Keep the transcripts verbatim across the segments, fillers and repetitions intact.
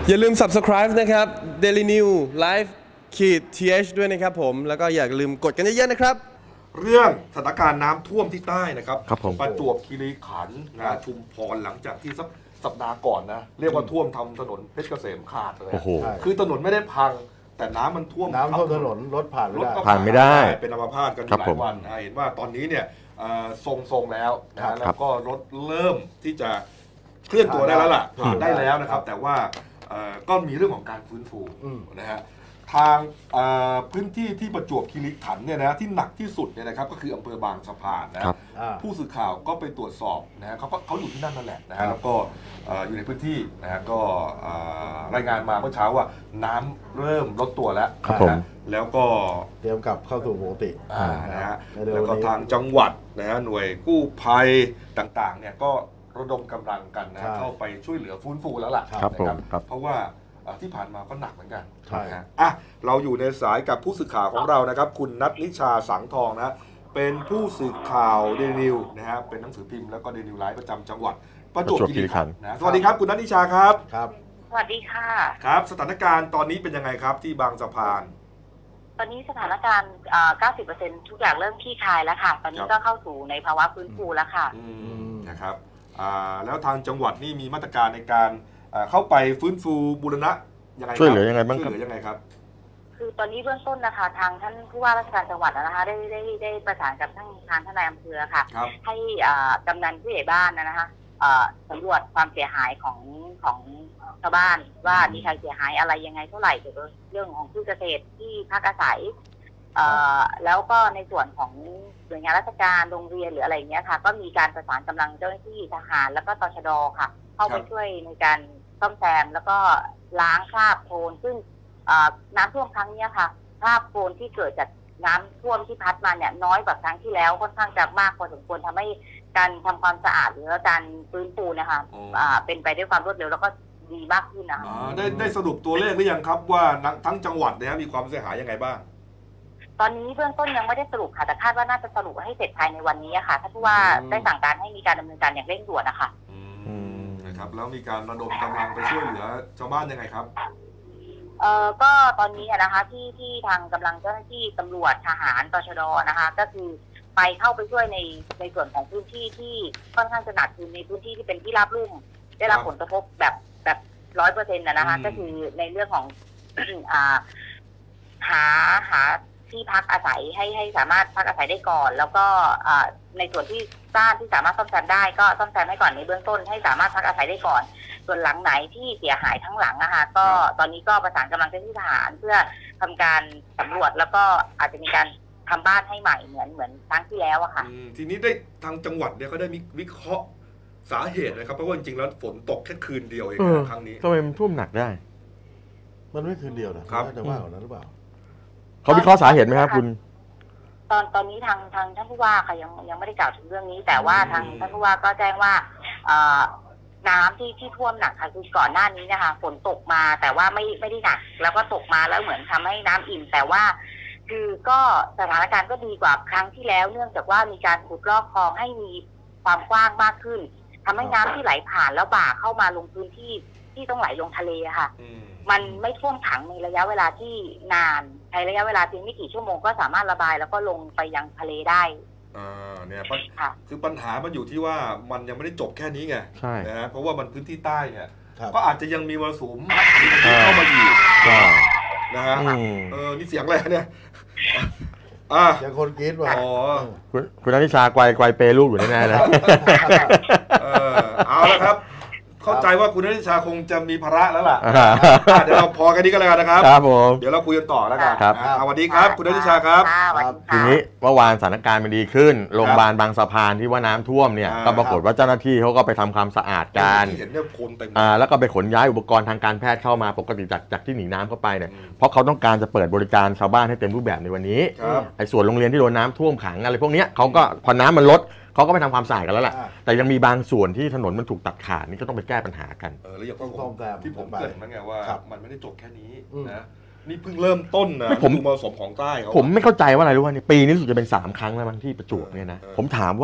อย่าลืม ซับสไครบ์ นะครับ Daily New Live ขีด ที เอช ด้วยนะครับผมแล้วก็อย่าลืมกดกันเยอะๆนะครับเรื่องสถานการณ์น้ำท่วมที่ใต้นะครับประจวบคีรีขันธ์นะชุมพรหลังจากที่สักสัปดาห์ก่อนนะเรียกว่าท่วมทำถนนเพชรเกษมขาดเลยคือถนนไม่ได้พังแต่น้ำมันท่วมน้ำท่วมถนนรถผ่านไม่ได้ผ่านไม่ได้เป็นอัมพาตกันหลายวันเห็นว่าตอนนี้เนี่ยทรงๆแล้วนะแล้วก็รถเริ่มที่จะเคลื่อนตัวได้แล้วล่ะผ่านได้แล้วนะครับแต่ว่าก็มีเรื่องของการฟื้นฟูนะฮะทางพื้นที่ที่ประจวบคีรีขันธ์เนี่ยนะที่หนักที่สุดเนี่ยนะครับก็คืออำเภอบางสะพานนะผู้สื่อข่าวก็ไปตรวจสอบนะฮะเขาเขาอยู่ที่นั่นนั่นแหละนะฮะแล้วก็อยู่ในพื้นที่นะฮะก็รายงานมาเมื่อเช้าว่าน้ำเริ่มลดตัวแล้วนะแล้วก็เตรียมกลับเข้าสู่ปกตินะฮะแล้วก็ทางจังหวัดนะฮะหน่วยกู้ภัยต่างๆเนี่ยก็ระดมกำลังกันนะเข้าไปช่วยเหลือฟื้นฟูแล้วล่ะนะครับเพราะว่าที่ผ่านมาก็หนักเหมือนกันใช่ฮะอ่ะเราอยู่ในสายกับผู้สื่อข่าวของเรานะครับคุณณัฐนิชาสังทองนะเป็นผู้สื่อข่าวเดลินิวนะฮะเป็นหนังสือพิมพ์แล้วก็เดลินิวไลฟ์ประจำจังหวัดประจวบคีรีขันธ์นะสวัสดีครับคุณณัฐนิชาครับครับสวัสดีค่ะครับสถานการณ์ตอนนี้เป็นยังไงครับที่บางสะพานตอนนี้สถานการณ์ เก้าสิบเปอร์เซ็นต์ ทุกอย่างเริ่มคลี่คลายแล้วค่ะตอนนี้ก็เข้าสู่ในภาวะฟื้นฟูแล้วค่ะนะครับแล้วทางจังหวัดนี่มีมาตรการในการเข้าไปฟื้นฟูบูรณะยังไงช่วยเหลือยังไงบ้างครับช่วยเหลือยังไงครับคือตอนนี้เบื้องต้นนะคะทางท่านผู้ว่าราชการจังหวัดนะคะได้ได้ได้ประสานกับทางทางท่านนายอำเภอค่ะให้กำนันผู้ใหญ่บ้านนะคะสำรวจความเสียหายของของชาวบ้านว่ามีใครเสียหายอะไรยังไงเท่าไหร่เกี่ยวกับเรื่องของพืชเกษตรที่พักอาศัยแล้วก็ในส่วนของหน่วยงานราชการโรงเรียนหรืออะไรอย่างเงี้ยค่ะก็มีการประสานกำลังเจ้าหน้าที่ทหารแล้วก็ตชด.ค่ะเข้าไปช่วยในการซ่อมแซมแล้วก็ล้างคราบโคลนซึ่งน้ำท่วมครั้งนี้ค่ะคราบโคลนที่เกิดจากน้ำท่วมที่พัดมาเนี่ยน้อยกว่าครั้งที่แล้วค่อนข้างจะมากพอสมควรทำให้การทำความสะอาดหรือการฟื้นฟูนะคะเป็นไปด้วยความรวดเร็วแล้วก็ดีมากขึ้นนะคะได้ได้สรุปตัวเลขหรือยังครับว่าทั้งจังหวัดเนี่ยมีความเสียหายยังไงบ้างตอนนี้เบื้องต้นยังไม่ได้สรุปค่ะแต่คาดว่าน่าจะสรุปให้เสร็จภายในวันนี้ค่ะท่านผู้ว่าได้สั่งการให้มีการดำเนินการอย่างเร่งด่วนนะคะนะครับแล้วมีการระดมกำลังไปช่วยเหลือชาวบ้านยังไงครับเอ่อก็ตอนนี้นะคะที่ที่ทางกำลังเจ้าหน้าที่ตำรวจทหารตชด.นะคะก็คือไปเข้าไปช่วยในในส่วนของพื้นที่ที่ค่อนข้างจะหนักคือในพื้นที่ที่เป็นที่ราบลุ่มได้รับผลกระทบแบบแบบร้อยเปอร์เซ็นต์นะคะก็คือในเรื่องของอ่าหาหาที่พักอาศัยให้ให้สามารถพักอาศัยได้ก่อนแล้วก็ในส่วนที่บ้านที่สามารถซ่อมแซมได้ก็ซ่อมแซมให้ก่อนในเบื้องต้นให้สามารถพักอาศัยได้ก่อนส่วนหลังไหนที่เสียหายทั้งหลังนะคะก็ตอนนี้ก็ประสานกำลังเจ้าหน้าที่ทหารเพื่อทำการสำรวจแล้วก็อาจจะมีการทำบ้านให้ใหม่เหมือนเหมือนครั้งที่แล้วอะค่ะทีนี้ได้ทางจังหวัดเนี่ยเขาได้มีวิเคราะห์สาเหตุนะครับเพราะว่าจริงๆแล้วฝนตกแค่คืนเดียวเองครั้งนี้ทำไมมันท่วมหนักได้มันไม่คืนเดียวนะครับจะว่าของนั้นหรือเปล่าเขาวิเคราะห์สาเหตุไหมครับคุณตอนตอนนี้ทางทางท่านผู้ว่าค่ะยังยังไม่ได้กล่าวถึงเรื่องนี้แต่ว่าทางท่านผู้ว่าก็แจ้งว่าน้ำที่ที่ท่วมหนักค่ะคือก่อนหน้านี้นะคะฝนตกมาแต่ว่าไม่ไม่ได้หนักแล้วก็ตกมาแล้วเหมือนทำให้น้ำอิ่มแต่ว่าคือก็สถานการณ์ก็ดีกว่าครั้งที่แล้วเนื่องจากว่ามีการขุดลอกคลองให้มีความกว้างมากขึ้นทำให้น้ำที่ไหลผ่านแล้วบ่าเข้ามาลงพื้นที่ที่ต้องไหลลงทะเลค่ะมันไม่ท่วมขังในระยะเวลาที่นานในระยะเวลาเพียงไม่กี่ชั่วโมงก็สามารถระบายแล้วก็ลงไปยังทะเลได้อ่าเนี่ยคือปัญหามันอยู่ที่ว่ามันยังไม่ได้จบแค่นี้ไงใช่นะฮะเพราะว่ามันพื้นที่ใต้เนี่ยก็อาจจะยังมีมรสุมเข้ามาอีกนะฮะเออนี่เสียงอะไรเนี่ยอ่าอย่างคนกรี๊ดว่าอ๋อคุณคุณณัฐนิชาไกวไกวเปลูกอยู่แน่ๆเลยเออเอาละครับเข้าใจว่าคุณณัฐนิชาคงจะมีภาระแล้วล่ะเดี๋ยวเราพอกันนี้ก็แล้วกันนะครับครับผมเดี๋ยวเราคุยกันต่อแล้วกันครับสวัสดีครับคุณณัฐนิชาครับทีนี้เมื่อวานสถานการณ์มันดีขึ้นโรงพยาบาลบางสะพานที่ว่าน้ำท่วมเนี่ยก็ปรากฏว่าเจ้าหน้าที่เขาก็ไปทำความสะอาดกันเห็นเนี่ยคนเต็มแล้วก็ไปขนย้ายอุปกรณ์ทางการแพทย์เข้ามาปกติจากจากที่หนีน้ำเข้าไปเนี่ยเพราะเขาต้องการจะเปิดบริการชาวบ้านให้เต็มรูปแบบในวันนี้ไอ้ส่วนโรงเรียนที่โดนน้ำท่วมขังอะไรพวกนี้เขาก็พอน้ำมันลดเขาก็ไปทำความสะอาดกันแล้วล่ะแต่ยังมีบางส่วนที่ถนนมันถูกตัดขาดนี่ก็ต้องไปแก้ปัญหากันเออแล้วอย่างที่ผมเกริ่นมาไงว่ามันไม่ได้จบแค่นี้นะนี่เพิ่งเริ่มต้นนะผมมรสุมของใต้เขาผมไม่เข้าใจว่าอะไรรู้ว่านี่ปีนี้สุดจะเป็นสามครั้งแล้วมั้งที่ประจวบเนี่ยนะผมถามว่า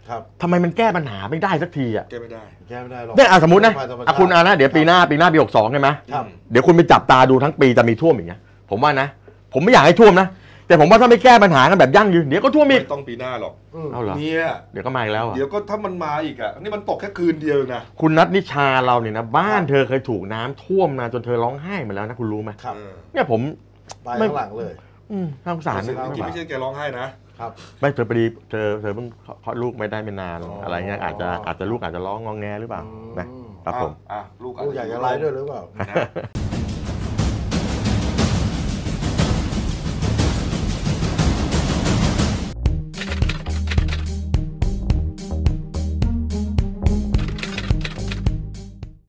ครับทำไมมันแก้ปัญหาไม่ได้สักทีอ่ะแก้ไม่ได้แก้ไม่ได้หรอกเนี่ยอ่ะสมมตินะธรรมชาอ่ะคุณอานะเดี๋ยวปีหน้าปีหน้าปีหกสองใช่ไหมครับเดี๋ยวคุณไปจับตาดูทั้งปีจะมีท่วมอย่างเงี้ยผมว่านะ ผมไม่อยากให้ท่วมนะแต่ผมว่าถ้าไม่แก้ปัญหากันแบบยั่งยืนเดี๋ยวก็ท่วมอีกไม่ต้องปีหน้าหรอกอืมเอาเหรอเนี่ยเดี๋ยวก็มาอีกแล้วอ่ะเดี๋ยวก็ถ้ามันมาอีกอ่ะนี่มันตกแค่คืนเดียวเองนะคุณนัทนิชาเราเนี่ยนะบ้านเธอเคยถูกน้ำท่วมมาจนเธอร้องไห้มาแล้วนะคุณรู้ไหมครับเออเนี่ยผมไปข้างหลังเลยอืมน่าสงสารซึ่งนะจริงๆไม่ใช่แกร้องไห้นะครับไม่เธอพอดีเธอเธอเพิ่งคลอดลูกไม่ได้ไม่นานอ๋อออะไรเงี้ยอาจจะอาจจะลูกอาจจะร้องงองแงหรือเปล่าอืมนะครับผมอ่ะลูกลูกอยากจะไล่ด้วยหรือเปล่านะ